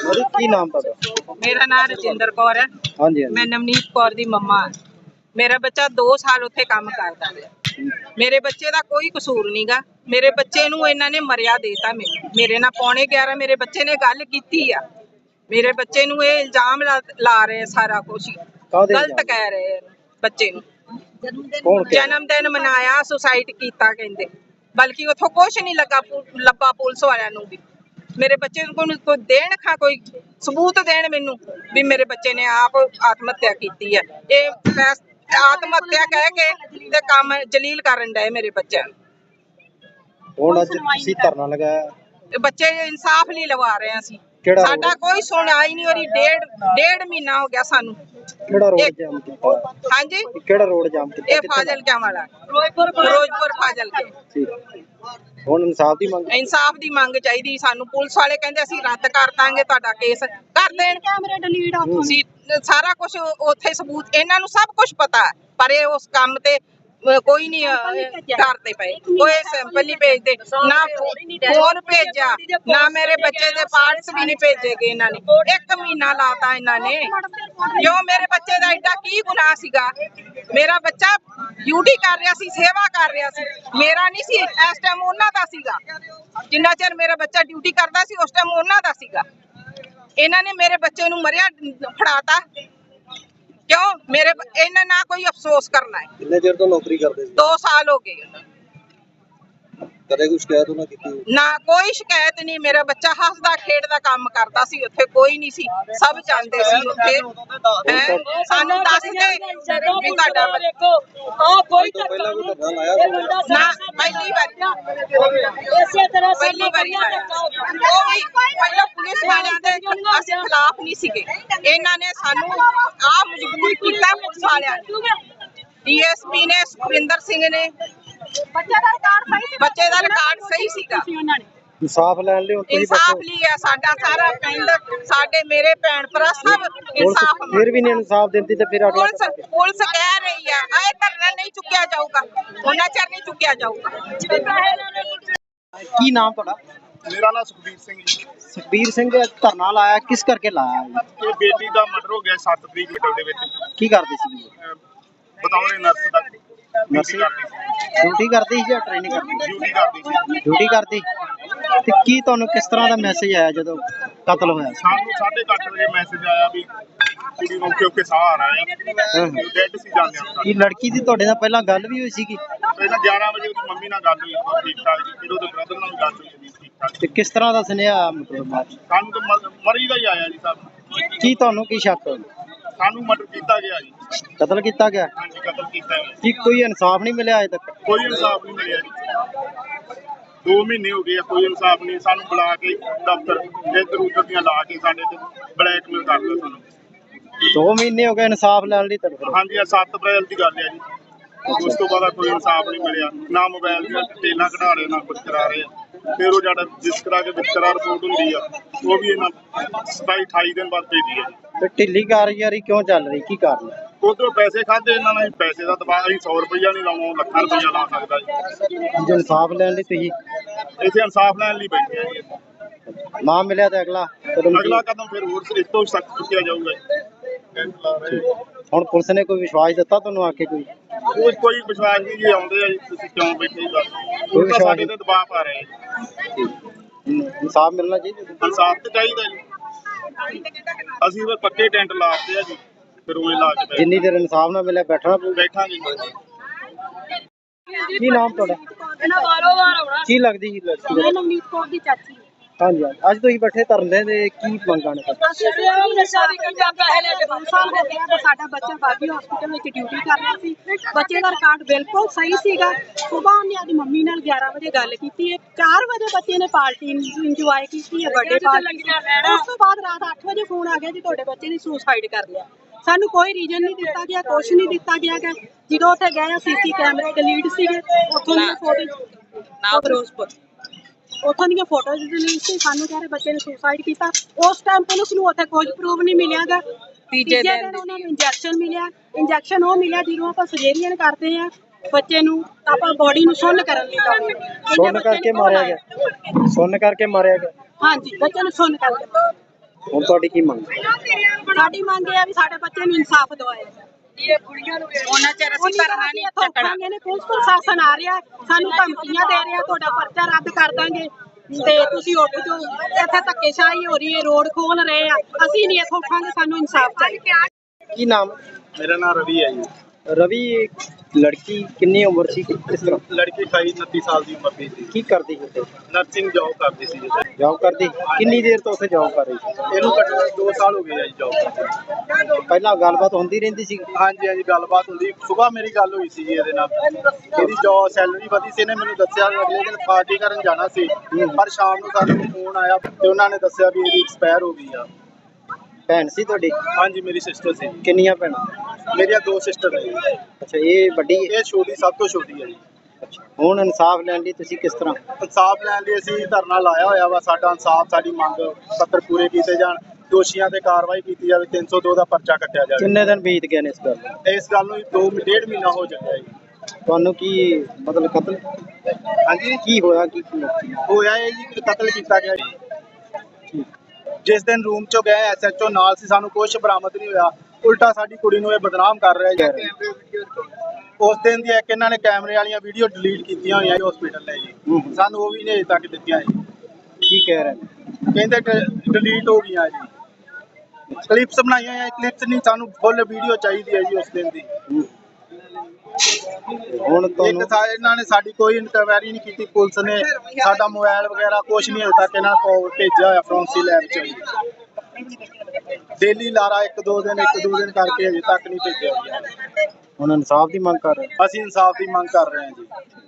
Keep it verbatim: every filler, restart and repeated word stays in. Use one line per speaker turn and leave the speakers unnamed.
ਕੀ ਨਾਮ ਤੁਹਾਡਾ?
ਮੇਰਾ ਨਾਮ ਰਜਿੰਦਰ ਕੌਰ ਹੈ।
ਹਾਂਜੀ
ਮੈਂ ਨਵਨੀਤ ਕੌਰ ਦੀ ਮੰਮਾ ਹਾਂ। ਮੇਰਾ ਬੱਚਾ ਦੋ ਸਾਲ ਉੱਥੇ ਕੰਮ ਕਰਦਾ ਰਿਹਾ। ਮੇਰੇ ਬੱਚੇ ਦਾ ਕੋਈ ਕਸੂਰ ਨਹੀਂਗਾ। ਮੇਰੇ ਬੱਚੇ ਨੂੰ ਇਹਨਾਂ ਨੇ ਮਰਿਆ ਦੇਤਾ। ਮੈਨੂੰ ਮੇਰੇ ਨਾਲ ਪੌਣੇ ਗਿਆਰਾਂ ਮੇਰੇ ਬੱਚੇ ਨੇ ਗੱਲ ਕੀਤੀ ਆ। ਮੇਰੇ ਬੱਚੇ ਨੂੰ ਇਹ ਇਲਜ਼ਾਮ ਲਾ ਰਹੇ ਸਾਰਾ ਕੁਝ ਗਲਤ ਕਹਿ ਰਹੇ ਬੱਚੇ ਨੂੰ। ਜਨਮ ਦਿਨ ਮਨਾਇਆ, ਸੁਸਾਈਡ ਕੀਤਾ ਕਹਿੰਦੇ, ਬਲਕਿ ਉੱਥੋਂ ਕੁਛ ਨਹੀਂ ਲੱਗਾ ਲੱਭਾ ਪੁਲਿਸ ਵਾਲਿਆਂ ਨੂੰ ਵੀ। ਮੇਰੇ ਬੱਚੇ ਨੂੰ ਕੋਈ ਦੇਣ ਖਾ ਕੋਈ ਸਬੂਤ ਦੇਣ ਮੈਨੂੰ ਵੀ ਮੇਰੇ ਬੱਚੇ ਨੇ ਆਪ ਆਤਮ ਹੱਤਿਆ ਕੀਤੀ ਹੈ। ਇਹ ਆਤਮ ਹੱਤਿਆ ਕਹਿ ਕੇ ਤੇ ਕੰਮ ਜਲੀਲ ਕਰਨ ਡਏ ਮੇਰੇ ਬੱਚਿਆਂ ਨੂੰ।
ਹੁਣ ਅੱਜ ਤੁਸੀਂ ਧਰਨਾ ਲਗਾਇਆ,
ਬੱਚੇ ਇਨਸਾਫ ਲਈ ਲਵਾ ਰਹੇ ਅਸੀਂ। ਸਾਡਾ ਕੋਈ ਸੁਣਾਈ ਨਹੀਂ ਹੋ ਰਹੀ। ਡੇਢ ਡੇਢ ਮਹੀਨਾ ਹੋ ਗਿਆ ਸਾਨੂੰ।
ਕਿਹੜਾ ਰੋਡ ਜਾਮ ਕੀਤਾ?
ਹਾਂਜੀ,
ਕਿਹੜਾ ਰੋਡ ਜਾਮ ਕੀਤਾ?
ਇਹ ਫਾਜ਼ਿਲਕਾ ਵਾਲਾ ਫਿਰੋਜ਼ਪੁਰ ਫਿਰੋਜ਼ਪੁਰ ਫਾਜ਼ਿਲਕਾ।
ਹੁਣ ਇਨਸਾਫ ਦੀ ਮੰਗ
ਇਨਸਾਫ ਦੀ ਮੰਗ ਚਾਹੀਦੀ ਸਾਨੂੰ। ਪੁਲਿਸ ਵਾਲੇ ਕਹਿੰਦੇ ਅਸੀਂ ਰੱਦ ਕਰ ਦਾਂਗੇ ਤੁਹਾਡਾ ਕੇਸ, ਕਰ ਦੇਣ। ਕੈਮਰੇ ਡਿਲੀਟ ਤੁਸੀਂ ਸਾਰਾ ਕੁਝ ਉੱਥੇ ਸਬੂਤ ਇਹਨਾਂ ਨੂੰ ਸਭ ਕੁਝ ਪਤਾ, ਪਰ ਇਹ ਉਸ ਕੰਮ ਤੇ ਕੋਈ ਨਹੀਂ ਕਰਦੇ ਪਏ। ਕੋਈ ਸੈਂਪਲ ਨਹੀਂ ਭੇਜਦੇ, ਨਾ ਫੋਨ ਭੇਜਿਆ, ਨਾ ਮੇਰੇ ਬੱਚੇ ਦੇ ਪਾਰਟਸ ਵੀ ਨਹੀਂ ਭੇਜੇਗੇ ਇਹਨਾਂ ਨੇ। ਇੱਕ ਮਹੀਨਾ ਲਾਤਾ ਇਹਨਾਂ ਨੇ। ਕਿਉਂ? ਮੇਰੇ ਬੱਚੇ ਦਾ ਐਡਾ ਕੀ ਗੁਨਾਹ ਸੀਗਾ? ਮੇਰਾ ਬੱਚਾ ਡਿਊਟੀ ਕਰ ਰਿਹਾ ਸੀ, ਸੇਵਾ ਕਰ ਰਿਹਾ ਸੀ। ਮੇਰਾ ਨਹੀਂ ਸੀ ਇਸ ਟਾਈਮ, ਉਹਨਾਂ ਦਾ ਸੀਗਾ। ਜਿੰਨਾ ਚਿਰ ਮੇਰਾ ਬੱਚਾ ਡਿਊਟੀ ਕਰਦਾ ਸੀ ਉਸ ਟਾਈਮ ਉਹਨਾਂ ਦਾ ਸੀਗਾ। ਇਹਨਾਂ ਨੇ ਮੇਰੇ ਬੱਚੇ ਨੂੰ ਮਰਿਆ ਫੜਾਤਾ। ਕਿਉਂ? ਮੇਰੇ ਇਹਨਾਂ ਨਾ ਕੋਈ ਅਫਸੋਸ ਕਰਨਾ ਹੈ।
ਕਿੰਨੇ ਚਿਰ ਤੋਂ ਨੌਕਰੀ ਕਰਦੇ ਸੀ?
ਦੋ ਸਾਲ ਹੋ ਗਏ।
ਕਦੇ ਕੋਈ ਸ਼ਿਕਾਇਤ ਉਹਨਾਂ ਕੀਤੀ?
ਨਾ, ਕੋਈ ਸ਼ਿਕਾਇਤ ਨਹੀਂ। ਮੇਰਾ ਬੱਚਾ ਹੱਸਦਾ ਖੇਡਦਾ ਕੰਮ ਕਰਦਾ ਸੀ ਉੱਥੇ, ਕੋਈ ਨਹੀਂ ਸੀ। ਸਭ ਜਾਣਦੇ ਸੀ ਉੱਥੇ। ਸਾਨੂੰ ਦੱਸਦੇ ਵੀ ਤੁਹਾਡਾ
ਆ ਕੋਈ
ਪਹਿਲਾਂ ਕੋਈ ਧਰਨਾ ਲਾਇਆ
ਨਾ, ਪਹਿਲੀ ਵਾਰੀ
ਇਸੇ ਤਰ੍ਹਾਂ
ਪਹਿਲੀ ਵਾਰੀ ਆਇਆ। ਉਹ ਵੀ ਪਹਿਲਾਂ ਪੁਲਿਸ ਵਾਲਿਆਂ ਦੇ ਅਸੀਂ ਖਿਲਾਫ ਨਹੀਂ ਸੀਗੇ। ਇਹਨਾਂ ਨੇ ਸਾਨੂੰ ਆ ਮਜਬੂਰ ਕੀਤਾ ਪੁਲਿਸ ਵਾਲਿਆਂ ਨੇ। ਡੀਐਸਪੀ ਨੇ, ਸੁਖਵਿੰਦਰ ਸਿੰਘ ਨੇ। ਬੱਚੇ ਦਾ ਰਿਕਾਰਡ ਸਹੀ ਬੱਚੇ ਦਾ ਰਿਕਾਰਡ ਸਹੀ ਸੀਗਾ।
ਇਨਸਾਫ ਲੈਣ ਲਈ
ਇਨਸਾਫ ਲਈ ਆ ਸਾਡਾ ਸਾਰਾ ਪਿੰਡ, ਸਾਡੇ ਮੇਰੇ ਭੈਣ ਭਰਾ ਸਭ ਇਨਸਾਫ।
ਫਿਰ ਵੀ ਨਹੀਂ ਇਨਸਾਫ ਦਿੰਦੀ ਤੇ ਫਿਰ ਅਗਲਾ
ਪੁਲਿਸ ਪੁਲਿਸ ਕਹਿ ਰਹੀ ਆ ਇਹ ਧਰਨਾ ਨਹੀਂ ਚੁੱਕਿਆ ਜਾਊਗਾ, ਉਹਨਾਂ ਚਿਰ ਨਹੀਂ ਚੁੱਕਿਆ ਜਾਊਗਾ।
ਕੀ ਨਾਮ ਤੁਹਾਡਾ?
ਮੇਰਾ ਨਾਮ ਸੁਖਬੀਰ ਸਿੰਘ ਜੀ।
ਸੁਖਬੀਰ ਸਿੰਘ ਧਰਨਾ ਲਾਇਆ, ਕਿਸ ਕਰਕੇ ਲਾਇਆ?
ਇਹ ਬੇਟੀ ਦਾ ਮਰਡਰ ਹੋ ਗਿਆ ਸੱਤ ਤਰੀਕ ਮਿਟਲ ਦੇ ਵਿੱਚ।
ਕੀ ਕਰਦੇ ਸੀ?
ਬਤੌਰੇ ਨਰਸ ਦਾ
ਨਰਸਿੰਗ ਡਿਊਟੀ ਕਰਦੀ ਸੀ ਜਾਂ ਟ੍ਰੇਨਿੰਗ ਕਰਦੀ?
ਡਿਊਟੀ ਕਰਦੀ ਸੀ।
ਡਿਊਟੀ ਕਰਦੀ। ਤੇ ਕੀ ਤੁਹਾਨੂੰ ਕਿਸ ਤਰ੍ਹਾਂ ਦਾ ਮੈਸੇਜ ਆਇਆ ਜਦੋਂ ਕਤਲ ਹੋਇਆ?
ਸਾਨੂੰ ਸਾਢੇ ਕੁ ਅੱਠ ਵਜੇ ਮੈਸੇਜ ਆਇਆ ਵੀ ਕੁੜੀ ਨੂੰ ਓਕੇ ਓਕੇ ਸਾਹ ਆ ਰਿਹਾ ਹੈ, ਡੈਡ ਸੀ ਜਾਂਦੇ।
ਕੀ ਲੜਕੀ ਦੀ ਤੁਹਾਡੇ ਨਾਲ ਪਹਿਲਾਂ ਗੱਲ ਵੀ ਹੋਈ ਸੀਗੀ?
ਪਹਿਲਾਂ ਗਿਆਰਾਂ ਵਜੇ ਉਹਦੀ ਮੰਮੀ ਨਾਲ ਗੱਲ ਹੋਈ, ਠੀਕ ਠਾਕ ਜੀ। ਫਿਰ ਉਹਦੇ ਬ੍ਰਦਰ ਨਾਲ ਵੀ ਗੱਲ ਹੋਈ ਜੀ, ਠੀਕ ਠਾਕ।
ਤੇ ਕਿਸ ਤਰ੍ਹਾਂ ਦਾ ਸੁਨੇਹਾ ਮਤਲਬ ਬਾਅਦ ਚ?
ਸਾਨੂੰ ਤਾਂ ਮ- ਮਰੀ ਦਾ ਹੀ ਆਇਆ ਜੀ ਸਾਹਿਬ।
ਕੀ ਤੁਹਾਨੂੰ ਕੀ ਸ਼ੱਕ?
ਸਾਨੂੰ ਮਰਡਰ ਕੀਤਾ ਗਿਆ ਜੀ।
ਕਤਲ ਕੀਤਾ ਗਿਆ?
ਹਾਂਜੀ, ਕਤਲ ਕੀਤਾ ਗਿਆ।
ਕੀ ਕੋਈ ਇਨਸਾਫ ਨਹੀਂ ਮਿਲਿਆ ਅਜੇ ਤੱਕ?
ਕੋਈ ਇਨਸਾਫ ਨਹੀਂ ਮਿਲਿਆ ਜੀ। ਦੋ ਮਹੀਨੇ ਹੋ ਗਏ ਆ, ਕੋਈ ਇਨਸਾਫ ਨਹੀਂ। ਸਾਨੂੰ ਬੁਲਾ ਕੇ ਦਫ਼ਤਰ ਇੱਧਰ ਉੱਧਰ ਦੀਆਂ ਲਾ ਕੇ ਸਾਡੇ ਤੇ ਬਲੈਕਮੇਲ ਕਰਦੇ ਸਾਨੂੰ।
ਦੋ ਮਹੀਨੇ ਹੋ ਗਏ ਇਨਸਾਫ ਲੈਣ ਲਈ ਤੜਫ ਰਹੇ।
ਹਾਂਜੀ, ਆ ਸੱਤ ਅਪ੍ਰੈਲ ਦੀ ਗੱਲ ਹੈ ਜੀ। ਉਸ ਤੋਂ ਬਾਅਦ ਕੋਈ ਇਨਸਾਫ ਨਹੀਂ ਮਿਲਿਆ। ਨਾ ਮੋਬਾਈਲ ਦੀਆਂ ਡਿਟੇਲਾਂ ਕਢਾ ਰਹੇ, ਨਾ ਕੁਝ ਕਰਾ ਰਹੇ। ਫਿਰ ਉਹ ਜਿਹੜਾ ਜਿਸ ਤਰ੍ਹਾਂ ਕੇ ਵਿਤਕਰਾ ਰਿਪੋਰਟ ਹੁੰਦੀ ਆ, ਉਹ ਵੀ ਇਹਨਾਂ ਸਤਾਈ ਅਠਾਈ ਦਿਨ ਬਾਅਦ ਭੇਜੀ ਹੈ।
ਤੇ ਢਿੱਲੀ ਕਾਰਗੁਜ਼ਾਰੀ ਕਿਉਂ ਚੱਲ ਰਹੀ? ਕੀ ਕਾਰਨ?
ਉਧਰੋਂ ਪੈਸੇ ਖਾਦੇ ਇਹਨਾਂ ਨੇ, ਪੈਸੇ ਦਾ ਦਬਾਅ। ਅਸੀਂ ਸੌ ਰੁਪਈਆ ਨਹੀਂ ਲਾਉਣਾ, ਉਹ ਲੱਖਾਂ ਰੁਪਈਆ ਲਾ ਸਕਦਾ ਜੀ।
ਜੇ ਇਨਸਾਫ ਲੈਣ ਲਈ ਤੁਸੀਂ
ਇੱਥੇ ਇਨਸਾਫ ਲੈਣ ਲਈ ਬੈਠੇ ਆ ਜੀ।
ਨਾ ਮਿਲਿਆ ਤੇ ਅਗਲਾ ਕਦਮ?
ਅਗਲਾ ਕਦਮ ਫਿਰ ਹੋਰ ਇਸ ਤੋਂ ਸਖਤ ਚੁੱਕਿਆ ਜਾਊਗਾ ਜੀ।
ਹੁਣ ਪੁਲਿਸ ਨੇ ਕੋਈ ਵਿਸ਼ਵਾਸ ਦਿੱਤਾ ਤੁਹਾਨੂੰ ਆ ਕੇ? ਕੋਈ
ਉਹ ਕੋਈ ਵਿਸ਼ਵਾਸ ਨਹੀਂ ਜੀ। ਆਉਂਦੇ ਆ ਜੀ, ਤੁਸੀਂ ਕਿਉਂ ਬੈਠੇ ਬਸ। ਉਹ ਤਾਂ ਸਾਡੇ ਤੇ ਦਬਾਅ ਪਾ ਰਹੇ ਆ।
ਇਨਸਾਫ ਮਿਲਣਾ ਚਾਹੀਦਾ।
ਇਨਸਾਫ ਤਾਂ ਚਾਹੀਦਾ ਜੀ। ਅਸੀਂ ਫਿਰ ਪੱਕੇ ਟੈਂਟ ਲਾਤੇ ਆ ਜੀ, ਫਿਰ ਉਵੇਂ ਲਾ ਕੇ
ਜਿੰਨੀ ਦੇਰ ਇਨਸਾਫ ਨਾ ਮਿਲਿਆ ਬੈਠਣਾ ਪਊ।
ਬੈਠਾਂਗੇ।
ਕੀ ਨਾਮ ਤੁਹਾਡਾ?
ਇਹਨਾਂ ਵਾਰੋ ਵਾਰ ਆਉਣਾ।
ਕੀ ਲੱਗਦੀ ਸੀ ਲੜਕੀ?
ਮੈਂ ਨਵਨੀਤ ਕੌਰ ਦੀ ਚਾਚੀ।
ਹਾਂਜੀ, ਅੱਜ ਤੁਸੀਂ ਬੈਠੇ ਧਰਨੇ ਦੇ ਕੀ ਮੰਗਾਂ ਨੇ?
ਅਸੀਂ ਸੇਵਾ ਨਸ਼ਾ ਦੀ ਕੰਡਾ ਪੈਸੇ ਲੈ ਕੇ ਦੋ ਸਾਲ ਹੋ ਗਏ ਤਾਂ ਸਾਡਾ ਬੱਚਾ ਬਾਬੀ ਹਸਪੀਟਲ ਵਿੱਚ ਡਿਊਟੀ ਕਰ ਰਿਹਾ ਸੀ। ਬੱਚੇ ਦਾ ਰਿਕਾਰਡ ਬਿਲਕੁਲ ਸਹੀ ਸੀਗਾ। ਸੁਬਾਹ ਉਹਨੇ ਆਪਣੀ ਮੰਮੀ ਨਾਲ ਗਿਆਰਾਂ ਵਜੇ ਗੱਲ ਕੀਤੀ ਹੈ। ਚਾਰ ਵਜੇ ਬੱਚੇ ਨੇ ਪਾਰਟੀ ਇੰਜੋਏ ਕੀਤੀ ਹੈ, ਬਰਥਡੇ ਪਾਰਟੀ। ਉਸ ਤੋਂ ਬਾਅਦ ਰਾਤ ਅੱਠ ਵਜੇ ਫੋਨ ਆ ਗਿਆ ਜੀ ਤੁਹਾਡੇ ਬੱਚੇ ਨੇ ਸੁਸਾਈਡ ਕਰ ਲਿਆ। ਸਾਨੂੰ ਕੋਈ ਰੀਜ਼ਨ ਨਹੀਂ ਦਿੱਤਾ ਗਿਆ, ਕੁਛ ਨਹੀਂ ਦਿੱਤਾ ਗਿਆ। ਜਦੋਂ ਉੱਥੇ ਗਏ ਸੀਸੀ ਕੈਮਰੇ ਡਿਲੀਟ ਸੀਗੇ, ਉੱਥੋਂ ਦੀਆਂ ਫੋਟੋ ਨਾ ਫਿਰੋਜ਼ਪੁਰ ਉੱਥੋਂ ਦੀਆਂ ਫੋਟੋਜ਼ ਡਿਲੀਟ ਸੀ। ਸਾਨੂੰ ਕਹਿ ਰਹੇ ਬੱਚੇ ਨੇ ਸੁਸਾਈਡ ਕੀਤਾ। ਉਸ ਟਾਈਮ ਪੁਲਿਸ ਨੂੰ ਉੱਥੇ ਕੋਈ ਪ੍ਰੂਫ ਨਹੀਂ ਮਿਲਿਆਗਾ। ਤੀਜੇ ਦਿਨ ਉਹਨਾਂ ਨੂੰ ਇੰਜੈਕਸ਼ਨ ਮਿਲਿਆ। ਇੰਜੈਕਸ਼ਨ ਉਹ ਮਿਲਿਆ ਜਦੋਂ ਆਪਾਂ ਸਰਜਰੀਆਂ ਕਰਦੇ ਆ ਬੱਚੇ ਨੂੰ, ਆਪਾਂ ਬੋਡੀ ਨੂੰ ਸੁੰਨ ਕਰਨ ਲਈ ਲਾਉਂਦੇ ਆ।
ਸੁੰਨ ਕਰਕੇ ਮਾਰਿਆ ਗਿਆ? ਸੁੰਨ ਕਰਕੇ ਮਾਰਿਆ ਗਿਆ?
ਹਾਂਜੀ, ਬੱਚੇ ਨੂੰ ਸੁੰਨ ਕਰਕੇ।
ਹੁਣ ਤੁਹਾਡੀ ਕੀ ਮੰਗ ਹੈ?
ਸਾਡੀ ਮੰਗ ਇਹ ਆ ਵੀ ਸਾਡੇ ਬੱਚੇ ਨੂੰ ਇਨਸਾਫ ਦਿਵਾਇਆ ਜਾਏ।
ਉਹਨਾਂ ਚਿਰ ਅਸੀਂ ਧਰਨਾ ਨਹੀਂ ਚੱਕਣਾ।
ਨੇ ਪੁਲਿਸ ਪ੍ਰਸ਼ਾਸਨ ਆ ਰਿਹਾ ਸਾਨੂੰ ਧਮਕੀਆਂ ਦੇ ਰਿਹਾ ਤੁਹਾਡਾ ਪਰਚਾ ਰੱਦ ਕਰ ਦਾਂਗੇ ਤੇ ਤੁਸੀਂ ਉੱਠ ਜਾਓ। ਇੱਥੇ ਧੱਕੇਸ਼ਾਹੀ ਹੋ ਰਹੀ ਹੈ, ਰੋਡ ਖੋਲ ਰਹੇ ਆ, ਅਸੀਂ ਨਹੀਂ ਇੱਥੋਂ ਉੱਠਾਂਗੇ, ਸਾਨੂੰ ਇਨਸਾਫ ਚਾਹੀਦਾ।
ਕੀ ਨਾਮ?
ਮੇਰਾ ਨਾਮ ਰਵੀ ਹੈ ਜੀ।
ਰਵੀ, ਲੜਕੀ ਕਿੰਨੀ ਉਮਰ ਸੀ, ਕਿਸ ਤਰ੍ਹਾਂ
ਲੜਕੀ ਅਠਾਈ ਉਨੱਤੀ ਸਾਲ ਦੀ ਉਮਰ ਦੀ ਸੀ।
ਕੀ ਕਰਦੀ ਸੀ?
ਨਰਸਿੰਗ ਜੌਬ ਕਰਦੀ ਸੀ ਜੀ।
ਜੌਬ ਕਰਦੀ? ਕਿੰਨੀ ਦੇਰ ਤੋਂ ਉੱਥੇ ਜੌਬ ਕਰ ਰਹੀ ਸੀ?
ਇਹਨੂੰ ਘੱਟੋ ਘੱਟ ਦੋ ਸਾਲ ਹੋ ਗਏ ਆ ਜੀ ਜੌਬ ਕਰਦੇ।
ਪਹਿਲਾਂ ਗੱਲਬਾਤ ਹੁੰਦੀ ਰਹਿੰਦੀ ਸੀ?
ਹਾਂਜੀ ਹਾਂਜੀ ਗੱਲਬਾਤ ਹੁੰਦੀ। ਸੁਬਾਹ ਮੇਰੀ ਗੱਲ ਹੋਈ ਸੀ ਜੀ ਇਹਦੇ ਨਾਲ। ਇਹਦੀ ਜੌਬ ਸੈਲਰੀ ਵਧੀ ਸੀ। ਇਹਨੇ ਮੈਨੂੰ ਦੱਸਿਆ ਵੀ ਅਗਲੇ ਦਿਨ ਪਾਰਟੀ ਕਰਨ ਜਾਣਾ ਸੀ, ਪਰ ਸ਼ਾਮ ਨੂੰ ਸਾਨੂੰ ਫੋਨ ਆਇਆ ਤੇ ਉਹਨਾਂ ਨੇ ਦੱਸਿਆ ਵੀ ਇਹਦੀ ਐਕਸਪਾਇਰ ਹੋ ਗਈ ਆ।
ਭੈਣ ਸੀ ਤੁਹਾਡੀ?
ਹਾਂਜੀ ਮੇਰੀ ਸਿਸਟਰ ਸੀ।
ਕਿੰਨੀਆਂ ਭੈਣਾਂ?
ਮੇਰੀਆਂ ਦੋ ਸਿਸਟਰ ਨੇ ਜੀ।
ਅੱਛਾ, ਇਹ ਵੱਡੀ ਹੈ?
ਇਹ ਛੋਟੀ, ਸਭ ਤੋਂ ਛੋਟੀ ਹੈ ਜੀ।
ਅੱਛਾ, ਹੁਣ ਇਨਸਾਫ ਲੈਣ ਲਈ ਤੁਸੀਂ ਕਿਸ ਤਰ੍ਹਾਂ?
ਇਨਸਾਫ ਲੈਣ ਲਈ ਅਸੀਂ ਧਰਨਾ ਲਾਇਆ ਹੋਇਆ ਵਾ। ਸਾਡਾ ਇਨਸਾਫ, ਸਾਡੀ ਮੰਗ ਪੱਤਰ ਪੂਰੇ ਕੀਤੇ ਜਾਣ, ਦੋਸ਼ੀਆਂ ਤੇ ਕਾਰਵਾਈ ਕੀਤੀ ਜਾਵੇ, ਤਿੰਨ ਸੌ ਦੋ ਦਾ ਪਰਚਾ ਕੱਟਿਆ ਜਾਵੇ।
ਕਿੰਨੇ ਦਿਨ ਬੀਤ ਗਏ ਨੇ ਇਸ ਗੱਲ ਨੂੰ?
ਇਸ ਗੱਲ ਨੂੰ ਦੋ ਡੇਢ ਮਹੀਨਾ ਹੋ ਚੁੱਕਿਆ ਜੀ।
ਤੁਹਾਨੂੰ ਕੀ ਮਤਲਬ ਕਤਲ?
ਹਾਂਜੀ
ਕੀ ਹੋਇਆ? ਕੀ
ਹੋਇਆ ਇਹ ਜੀ, ਕਤਲ ਕੀਤਾ ਗਿਆ ਜੀ। ਜਿਸ ਦਿਨ ਰੂਮ ਚੋਂ ਗਏ ਐਸ ਐਚ ਓ ਨਾਲ ਸੀ, ਸਾਨੂੰ ਕੁਝ ਬਰਾਮਦ ਨਹੀਂ ਹੋਇਆ, ਉਲਟਾ ਸਾਡੀ ਕੁੜੀ ਨੂੰ ਇਹ ਬਦਨਾਮ ਕਰ ਰਿਹਾ ਜੀ। ਉਸ ਦਿਨ ਦੀ ਇੱਕ ਇਹਨਾਂ ਨੇ ਕੈਮਰੇ ਵਾਲੀਆਂ ਵੀਡੀਓ ਡਿਲੀਟ ਕੀਤੀਆਂ ਹੋਈਆਂ ਜੀ ਹਸਪੀਟਲ ਨੇ ਜੀ। ਸਾਨੂੰ ਉਹ ਵੀ ਨਹੀਂ ਅਜੇ ਤੱਕ ਦਿੱਤੀਆਂ ਜੀ।
ਕੀ ਕਹਿ ਰਹੇ ਨੇ?
ਕਹਿੰਦੇ ਡਿਲੀਟ ਹੋ ਗਈਆਂ ਜੀ। ਕਲਿੱਪਸ ਬਣਾਈਆਂ ਹੋਈਆਂ, ਕਲਿੱਪਸ ਨਹੀਂ, ਸਾਨੂੰ ਫੁੱਲ ਵੀਡੀਓ ਚਾਹੀਦੀ ਹੈ ਜੀ ਉਸ ਦਿਨ ਦੀ।
ਹੁਣ
ਇੱਕ
ਤੁਹਾਨੂੰ
ਸਾ ਇਹਨਾਂ ਨੇ ਸਾਡੀ ਕੋਈ ਇਨਕੁਆਇਰੀ ਨਹੀਂ ਕੀਤੀ। ਪੁਲਿਸ ਨੇ ਸਾਡਾ ਮੋਬਾਈਲ ਵਗੈਰਾ ਕੁਝ ਨਹੀਂ ਅਜੇ ਤੱਕ ਇਹਨਾਂ ਕੋਲ ਭੇਜਿਆ ਹੋਇਆ ਫੋਰੈਂਸਿਕ ਲੈਬ ਚ। ਡੇਲੀ ਲਾਰਾ ਇੱਕ ਦੋ ਦਿਨ ਇੱਕ ਦੋ ਦਿਨ ਕਰਕੇ ਅਜੇ ਤੱਕ ਨਹੀਂ ਭੇਜਿਆ।
ਹੁਣ ਇਨਸਾਫ ਦੀ ਮੰਗ ਕਰ ਰਹੇ?
ਅਸੀਂ ਇਨਸਾਫ ਦੀ ਮੰਗ ਕਰ ਰਹੇ ਹਾਂ ਜੀ।